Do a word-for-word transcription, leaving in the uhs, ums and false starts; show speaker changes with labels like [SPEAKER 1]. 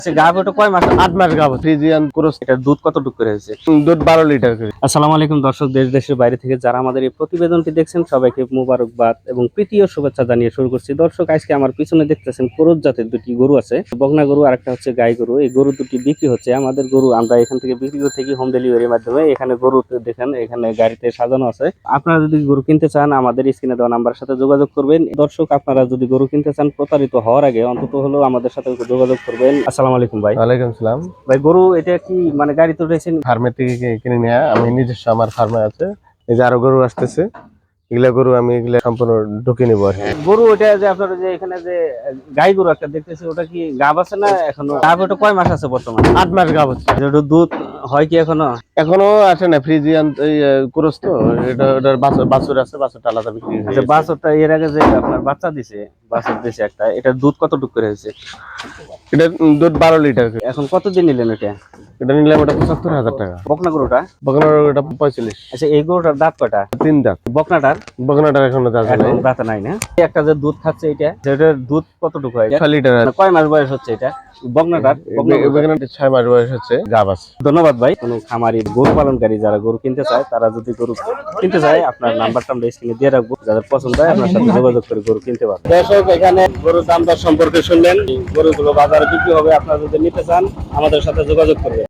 [SPEAKER 1] গাভীটা কয় মাস? আট মাস গাভ। Friesian cross. এটার দুধ কতটুকু করে হয়েছে?
[SPEAKER 2] দুধ বারো লিটার করে।
[SPEAKER 1] আসসালামু আলাইকুম দর্শক, দেশ দেশের বাইরে থেকে যারা আমাদের এই প্রতিবেদনটি দেখছেন সবাইকে মুবারকবাদ এবং প্রীতি ও শুভেচ্ছা জানিয়ে শুরু করছি। দর্শক, আজকে আমার পিছনে দেখতেছেন ক্রস জাতের দুটি গরু আছে, বকনা গরু আর একটা হচ্ছে গাই গরু। এই গরু দুটি বিক্রি হচ্ছে। আমাদের গরু আমরা এখান থেকে বিক্রি করতে গিয়ে হোম ডেলিভারির মাধ্যমে এখানে গরু দেখেন, এখানে গাড়িতে সাজানো আছে। আপনারা যদি গরু কিনতে চান আমাদের স্ক্রিনে দেওয়া নাম্বারের সাথে যোগাযোগ করবেন। দর্শক, আপনারা যদি গরু কিনতে চান প্রতারিত হওয়ার আগে অন্তত হলেও আমাদের সাথে যোগাযোগ করবেন। আসসালামু আলাইকুম ভাই।
[SPEAKER 2] ওয়ালাইকুম সালাম।
[SPEAKER 1] ভাই, গরু এটা কি মানে গাড়িতে উঠেছেন?
[SPEAKER 2] ফার্মের থেকে কি- কিনে নিয়ে আমি নিজস্ব আমার ফার্মে আছে। এই যে আরো গরু আসতেছে, এগুলা গরু আমি এগুলা সম্পূর্ণ ঢুকে নিবো আর কি।
[SPEAKER 1] গরু ওটা যে আপনার যে এখানে যে গাই গরু একটা দেখতেছি, ওটা কি গাব আছে না এখনো? গাব ওটা কয় মাস আছে বর্তমানে?
[SPEAKER 2] আট মাস গাভ হচ্ছে।
[SPEAKER 1] ওটা দুধ হয় কি এখনো?
[SPEAKER 2] এখনো আসে না, ফ্রিজিয়ান এই ক্রস তো, এটা ওটার বাছুর বাছুর আছে, বাছুরটা আলাদা বিক্রি হয়ে
[SPEAKER 1] আচ্ছা,
[SPEAKER 2] গেছে।
[SPEAKER 1] বাছরটা এর আগে যে আপনার বাচ্চা দিছে, বাছর দিছে একটা, এটার দুধ কতটুকু করে হয়েছে?
[SPEAKER 2] এটা দুধ বারো লিটার করে।
[SPEAKER 1] এখন কতদিন নিলেন এটা?
[SPEAKER 2] এটা নিলাম ওটা পঁচাত্তর হাজার টাকা।
[SPEAKER 1] বকনা গরুটা?
[SPEAKER 2] বকনার ওটা পঁয়তাল্লিশ।
[SPEAKER 1] আচ্ছা, এই গরুটার দাঁত কয়টা?
[SPEAKER 2] তিন দাঁত।
[SPEAKER 1] বকনাটার
[SPEAKER 2] বকনাটার এখনো দাঁত নাই।
[SPEAKER 1] এখন দাঁত নাই না? এই একটা যে দুধ খাচ্ছে এটা, সেটার দুধ কতটুকু হয়?
[SPEAKER 2] ছয় লিটার।
[SPEAKER 1] মানে কয় মাস বয়স হচ্ছে এটা বকনাটার? বকনা গরুটার?
[SPEAKER 2] বকনাটা ছয় মাস বয়স হচ্ছে, গাভ আছে।
[SPEAKER 1] ধন্যবাদ ভাই। কোনো খামারি গরু পালনকারী যারা গরু কিনতে চায়, তারা যদি গরু কিনতে চায়, আপনার নাম্বারটা আমরা স্ক্রিনে দিয়ে রাখবো। যাদের পছন্দ হয় আপনার সাথে যোগাযোগ করে গরু কিনতে পারবেন। দর্শক, এখানে গরুর দাম দর সম্পর্কে শুনলেন। গরুগুলো বাজারে বিক্রি হবে, আপনারা যদি নিতে চান আমাদের সাথে যোগাযোগ করবেন।